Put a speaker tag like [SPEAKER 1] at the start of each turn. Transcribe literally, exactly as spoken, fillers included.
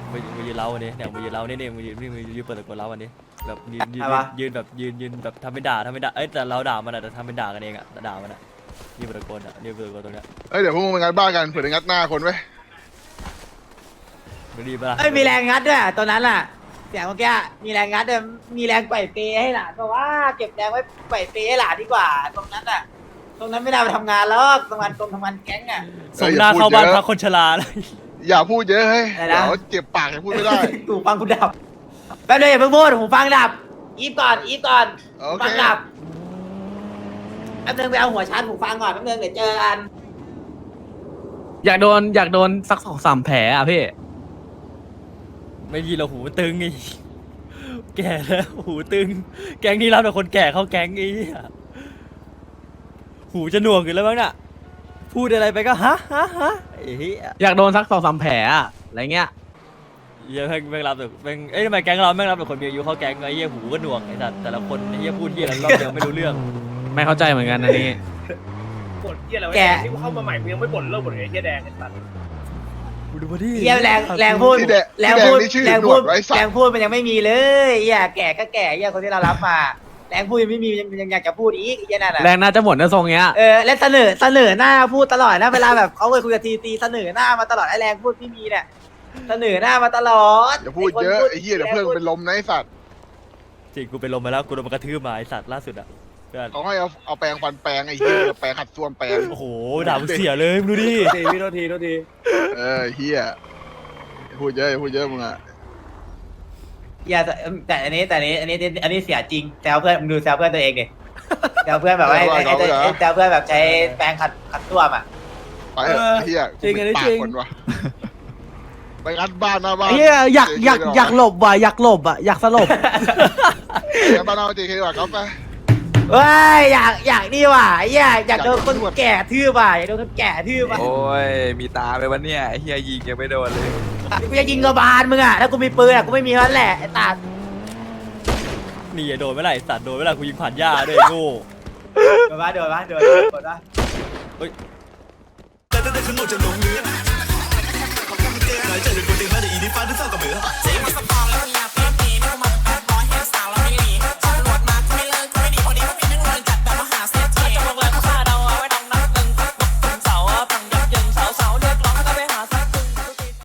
[SPEAKER 1] มามายืนเล้าวันนี้เนี่ยมายืนเล้านี่นี่มายืนนี่มายืนเปิดตะโกนเล้าวันนี้แบบยืนยืนยืนแบบยืนยืนแบบทำเป็นด่าทำเป็นด่าเอ้ยแต่เราด่ามันอะแต่ทำเป็นด่ากันเองอะแต่ด่ามันอะยืนเปิดตะโกนอะยืนเปิดตะโกนตรงเนี้ย
[SPEAKER 2] เอ้ยเดี๋ยวพวกมึงไปงัดบ้านกันเผื่อจะงัดหน้าคนไว้
[SPEAKER 1] ไม่ดีปะล่ะ
[SPEAKER 3] เอ้ยมีแรงงัดด้วยตัวนั้นอ่ะเสียงเมื่อกี้มีแรงงัดด้วยมีแรงปล่อยเปให้หลานเพราะว่าเก็บแรงไว้ปล่อยเปให้หลานดีกว่า ตรงนั้นอ่ะ ตรงนั้นไม่ได้ไปทำงานแล้วทำงานตรงทำงานแก๊งอ่ะ
[SPEAKER 1] ส่งหน้าเข้าบ้านพักคนชราเลย
[SPEAKER 2] อย่าพูดเยอะเฮ้ย
[SPEAKER 3] อะไรนะ
[SPEAKER 2] เดี๋ยวเจ็บปากยังพูดไม่ได้
[SPEAKER 3] หูฟังกูดับแป๊บเดียวอย่าเพิ่งพูดหูฟังดับอีฟก่อนอีฟก่อน
[SPEAKER 2] โอ
[SPEAKER 3] หู
[SPEAKER 2] เค
[SPEAKER 3] ฟังดับแป๊บนึงไปเอาหัวชาร์จหูฟังก่อนแป๊บนึงเดี๋ยวเจอกัน
[SPEAKER 4] อยากโดนอยากโดนสักสองสามแผลอ่ะพี่
[SPEAKER 1] ไม่ดีเราหูตึงไอ้แก่แล้วหูตึง แก๊งนี้รับแต่คนแก่เข้าแก๊งไอ้เหี้ยหูจะหน่วงอยู่แล้วมั้งน่ะพูดอะไรไปก็ฮะฮะฮะไอ้เหี้ย
[SPEAKER 4] อยากโดนสักสองสามแผลอ่ะอะไรเงี้ย
[SPEAKER 1] เหี้ยแม่งแม่งรับแต่แม่งเอ้ยทำไมแก๊งเราแม่งรับแต่คนมีอายุเข้าแก๊งไอ้เหี้ยหูก็หน่วงไอ้สัตว์แต่ละคนไอ้เหี้ยพูดเหี้ยอะไรรอบเดียวไม่รู้เรื่อง
[SPEAKER 4] ไม่เข้าใจเหมือนกันอันนี้
[SPEAKER 5] บ่นเหี้ยอะไรวะ
[SPEAKER 3] แก
[SPEAKER 5] ที่กูเข้ามาใหม่กูยังไม่บ่นเรื่องบ่นไอ้เหี้ยแดงไอ้สัตว์
[SPEAKER 1] กูดูมาดิ
[SPEAKER 3] เยี่ยแรงแรงพูด
[SPEAKER 2] ที่แดง
[SPEAKER 3] แรง
[SPEAKER 2] ที่แด
[SPEAKER 3] พู
[SPEAKER 2] ง
[SPEAKER 3] ด
[SPEAKER 2] นี่ชื่อ
[SPEAKER 3] แรง
[SPEAKER 2] หน
[SPEAKER 3] พู
[SPEAKER 2] ว
[SPEAKER 3] ด
[SPEAKER 2] ดไว้สั
[SPEAKER 3] แร
[SPEAKER 2] ต
[SPEAKER 3] ง
[SPEAKER 2] ว์
[SPEAKER 3] พูดมันยังไม่มีเลยเยี่ยแก่ก็แก่เยี่ยคนที่เรารับมาแรงพูดยังไม่มียังยังอยากจะพูดอีกเยี่ยนั่นแหละ
[SPEAKER 4] แรงน่าจะหมดนะทรงเงี้ย
[SPEAKER 3] เออและเสนอเสนอหน้าพูดตลอดนะเวลาแบบเขาเคยคุยกับทีตีเสนอหน้ามาตลอดไอ้แรงพูดไม่มีเนี่ยเสนอหน้ามาตลอด
[SPEAKER 2] อย่าพูดเยอะไอ้เหี้ยเดี๋ยวเพื่อนเป็นลมนะไอ้สัตว์
[SPEAKER 1] จริงกูเป็นลมไปแล้วกูโดนมันกระทืบมาไอ้สัตว์ล่าสุดอ่ะเพื่อน
[SPEAKER 2] เขาให้เอาเอาแปรงฟันแปรงไอ้เหี้ยแปรงขัดส้วมแปรง
[SPEAKER 1] โอ้โหด่ากูเสียเลยมึงดูดิ
[SPEAKER 5] ทีพี่โทษทีโทษที
[SPEAKER 2] เออเหี้ยอย่าพูดเยอะอย่าพูดเยอะมึงอะ
[SPEAKER 3] อย่าแต่แต่อันนี้แต่อันนี้อันนี้อันนี้เสียจริงแซวเพื่อนมึงดูแซวเพื่อนตัวเองดิแซวเพื่อนแบบว่าไอ้ไอ้ไอ้ไอ้แซวเพื่อนแบบใช้แปรงขัดขัดส้วมอ่ะ
[SPEAKER 2] ไปเถอะไอ้เหี้ยกูเป็นปากคนวะไปงัดบ้านหน้าบ้าน
[SPEAKER 4] เฮียอยากอยากอยากหลบว่ะอยากหลบอ่ะอยากสลบ
[SPEAKER 2] งัดบ้านหน้าบ้านเจเคดีกว่าครับไป
[SPEAKER 3] เฮ้ยอยากอยากนี่ว่ะอยากอยากโดนคนแก่ทืบว่ะอยากโดนคนแก่ทืบว่ะ
[SPEAKER 6] โอ้ย มีตาไปวันเนี่ยไอ้เฮียยิงยังไม่โดนเลย
[SPEAKER 3] กูจะยิงกระบาลมึงอ่ะถ้ากูมีปืนอ่ะกูไม่มีเท่านั้นแหละไอ้ตา
[SPEAKER 1] นี่โดนเมื่อไหร่สัตว์โดนเมื่อไหร่กูยิงผ่านหญ้าด้วยไอ้โง่
[SPEAKER 3] โดนปะโดนปะโดนโดนปะ
[SPEAKER 7] แต่แต่คือหนูจะลงเรือหายใจเป็นคนเดียวน่าจะอีนี่ฟ้าที่สร้างกับเบือเจ๊มาสปา